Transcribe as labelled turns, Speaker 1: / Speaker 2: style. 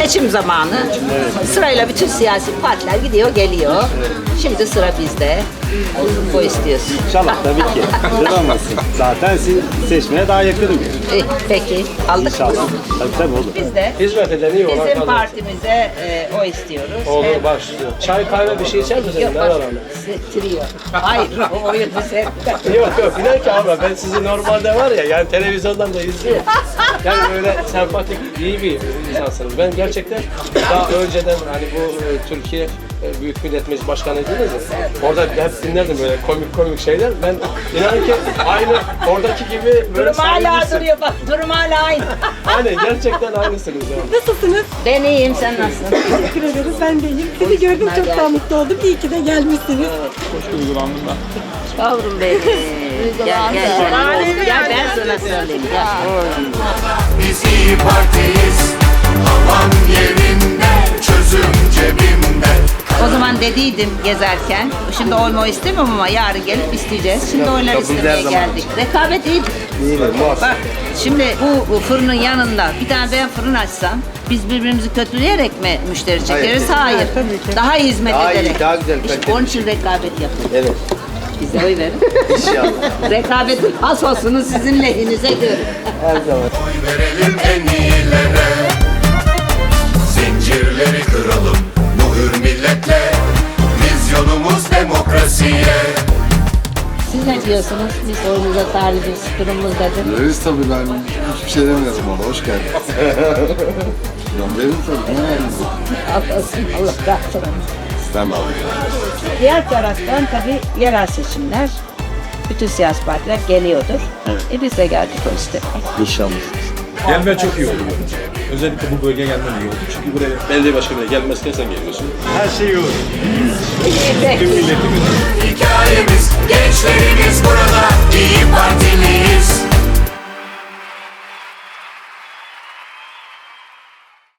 Speaker 1: seçim zamanı. Sırayla bütün siyasi partiler gidiyor, geliyor. Şimdi sıra bizde. O istiyorsun.
Speaker 2: İnşallah tabii ki. Neden olmasın? Zaten siz seçmeye daha yakınım.
Speaker 1: Peki, aldık.
Speaker 2: İnşallah. Tabii olur.
Speaker 1: Biz de
Speaker 3: Hizmet eden iyi olan
Speaker 1: bizim
Speaker 3: kadın.
Speaker 1: partimize o istiyoruz.
Speaker 3: Olur başlıyor. Çay kahve bir şey içer misin?
Speaker 1: Yok,
Speaker 3: Ne var ona?
Speaker 1: trio. Hayır, o oyun bize.
Speaker 3: Yok inan ki abla ben sizi normalde var ya yani televizyondan da izliyorum. Yani böyle sempatik iyi bir insansınız. Ben gerçekten daha önceden hani bu Türkiye Büyük Millet Meclisi Başkanı'ydınız ya. Orada hep dinlerdim böyle komik şeyler. Ben inan ki aynı oradaki gibi böyle
Speaker 1: Durum hala
Speaker 3: samimisin.
Speaker 1: duruyor bak, durum hala aynı.
Speaker 3: Aynen gerçekten aynısınız yani.
Speaker 4: Nasılsınız?
Speaker 1: Ben iyiyim, sen nasılsın?
Speaker 4: Teşekkür ederiz. Ben de iyiyim. Sizi gördüm çok daha mutlu oldum. İyi ki de gelmişsiniz.
Speaker 1: Yavrum benim. Gel. Gel ben sana söyleyeyim. Gel.
Speaker 5: Biz İYİ Parti'yiz. Havan yerinde, çözüm cebimde.
Speaker 1: O zaman dediydim gezerken, şimdi oyma istemiyorum ama yarın gelip isteyeceğiz. Şimdi oylar istemeye geldik. Rekabet iyidir. Bak, şimdi bu fırının yanında bir tane ben fırın açsam, biz birbirimizi kötüleyerek mi müşteri çekeriz? Hayır. Daha iyi hizmet ederek.
Speaker 6: daha güzel,
Speaker 1: İşte onun için rekabet yapın.
Speaker 6: Evet.
Speaker 1: Bize oy verin.
Speaker 6: İnşallah.
Speaker 1: Rekabetin hasosunu sizin lehinize görün.
Speaker 6: Her zaman.
Speaker 5: Oy verelim en iyilere. Zincirleri kıralım bu hür milletle. Vizyonumuz demokrasiye.
Speaker 1: Siz ne diyorsunuz? Biz oyumuza talibiz, durumumuzdadır.
Speaker 7: Veririz tabii ben hiçbir şey demiyorum ona. Hoş geldin. Ben veririm tabii. Ne veririz?
Speaker 1: Allah'ım, Allah razı olsun.
Speaker 7: İstemem.
Speaker 1: Diğer taraftan tabii yerel seçimler, bütün siyasi partiler geliyordur. Biz de geldik o istedik.
Speaker 6: İnşallah.
Speaker 8: Gelmen çok iyi oldu. Özellikle bu bölgeye gelmen iyi oldu. Çünkü buraya belediye başkanına gelmezken sen geliyorsun.
Speaker 2: Her şey olur.
Speaker 8: Tüm milletimiz.
Speaker 5: Hikayemiz, gençlerimiz burada. İYİ